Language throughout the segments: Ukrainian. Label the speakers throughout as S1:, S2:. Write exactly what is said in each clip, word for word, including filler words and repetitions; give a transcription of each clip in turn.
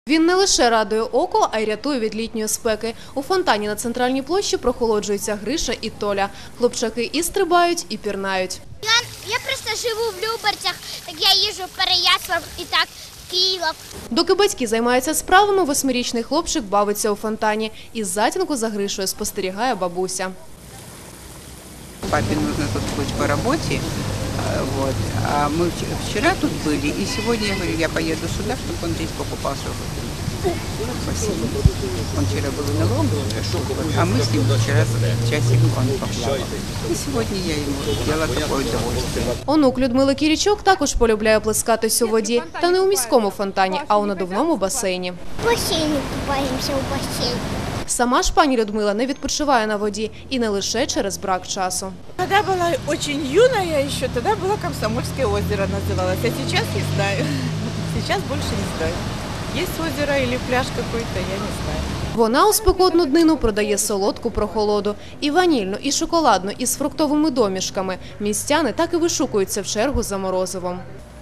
S1: Він не лише радує око, а й рятує від літньої спеки. У фонтані на Центральній площі прохолоджуються Гриша і Толя. Хлопчаки і стрибають, і пірнають.
S2: Я, я просто живу в Люберцях, так я їжджу в Переяслав і так в Київ.
S1: Доки батьки займаються справами, восьмирічний хлопчик бавиться у фонтані. Із затінку за Гришою спостерігає бабуся.
S3: Папе нужно тут быть по работе, вот. А мы вчера тут были, и сегодня я говорю, я поеду сюда, чтобы он здесь покупался. Спасибо. Он вчера был на ломе, а мы с ним вчера часик он поплавал. И сегодня я ему сделала такое удовольствие.
S1: Онук Людмили Кірічок також полюбляє плескатись у воді. Та не у міському фонтані, а у надувному басейні.
S2: В басейні купаємося, у басейні.
S1: Сама ж пані Людмила не відпочиває на воді. І не лише через брак часу.
S4: Когда была очень юная еще, тогда было Комсомольское озеро называлось, а сейчас не знаю. Сейчас больше не знаю. Есть озеро или пляж какой-то, я не знаю.
S1: Вона у спекотну днину продає солодку прохолоду. І ванільну, і шоколадну, і з фруктовими домішками. Містяни так і вишукуються в чергу за морозивом.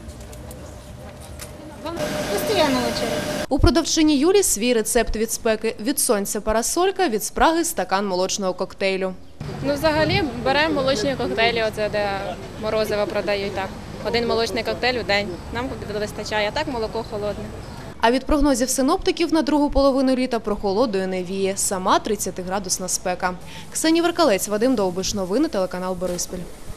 S2: Постоянно очередь.
S1: У продавчині Юлі свій рецепт від спеки. Від сонця парасолька, від спраги стакан молочного коктейлю.
S5: Ну, взагалі, беремо молочні коктейлі, оце де морозиво продають так. Один молочний коктейль у день. Нам вистачає, а так молоко холодне.
S1: А від прогнозів синоптиків на другу половину літа прохолодою не віє. Сама тридцятиградусна спека. Ксенія Веркалець, Вадим Довбиш. Новини телеканал Бориспіль.